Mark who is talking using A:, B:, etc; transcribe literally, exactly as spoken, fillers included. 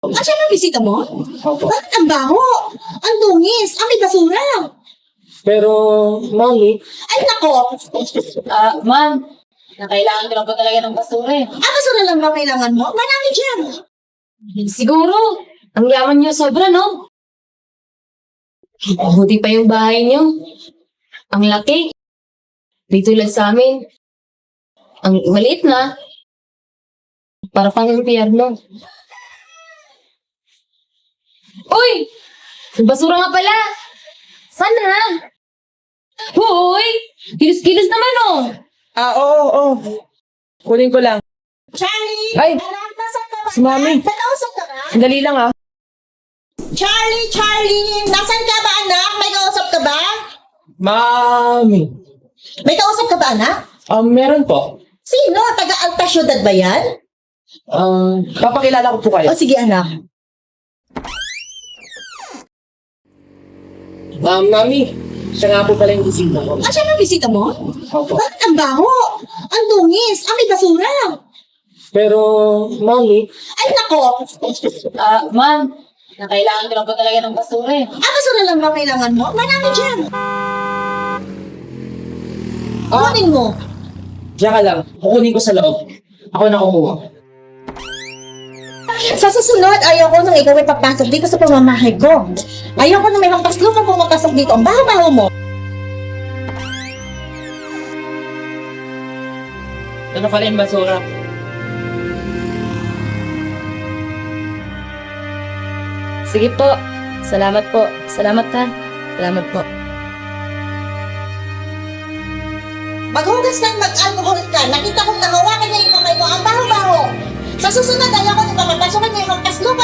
A: At siya ang bisita mo?
B: Opo.
A: Bakit ang baho? Ang dungis, ang may basura.
B: Pero, Mami,
A: Ay nako,
C: Ah, ma'am, nakailangan ko lang po talaga ng basura eh.
A: ang basura lang ba kailangan mo? Marami dyan.
C: Siguro, ang yaman niyo sobra, no? Mabuti pa yung bahay niyo. Ang laki. Di tulad sa amin. Ang maliit na. Para pang impyerno. Uy! Yung basura nga pala! Sana? Hoy! Kilos-kilos naman, oh!
B: ah, oo, oo. Kunin ko lang.
A: Charlie!
B: Ay!
A: Anak, nasan ka ba?
B: Si Mami.
A: Nakausap ka ba?
B: Sandali lang, ah.
A: Charlie, Charlie! Nasan ka ba, anak? May kausap ka ba?
B: Mami.
A: May kausap ka ba, anak?
B: Um, meron po.
A: Sino? Taga-Alta Ciudad ba yan?
B: Um, papakilala ko po kayo.
A: O sige, anak.
B: Um, Mami, siya nga po pala yung bisita ko.
A: At siya ang bisita mo?
B: Opo.
A: Bakit ang baho? Ang dungis, ang may basura.
B: Pero, Mami,
A: Ay nako,
C: Ah, ma'am, nakailangan ko lang po talaga ng basura eh.
A: ang basura lang ba kailangan mo? Marami dyan.
B: Ah.
A: Kunin mo.
B: diyan ka lang. Kukunin ko sa loob. Ako na kukuha.
A: Sa susunod, ayoko nang ikaw ay papasok dito sa pamamahay ko. Ayoko na may mampaslumang pumapasok dito. Ang baho-baho mo.
B: Ano pala yung basura?
C: Sige po. Salamat po. Salamat ha. Salamat po.
A: Maghugas ka mag-alcohol ka. Nakita kong nahawakan niya yung kamay mo. Ang baho-baho. Sa susunod, ayoko nang mapapasok niya yung mampaslumang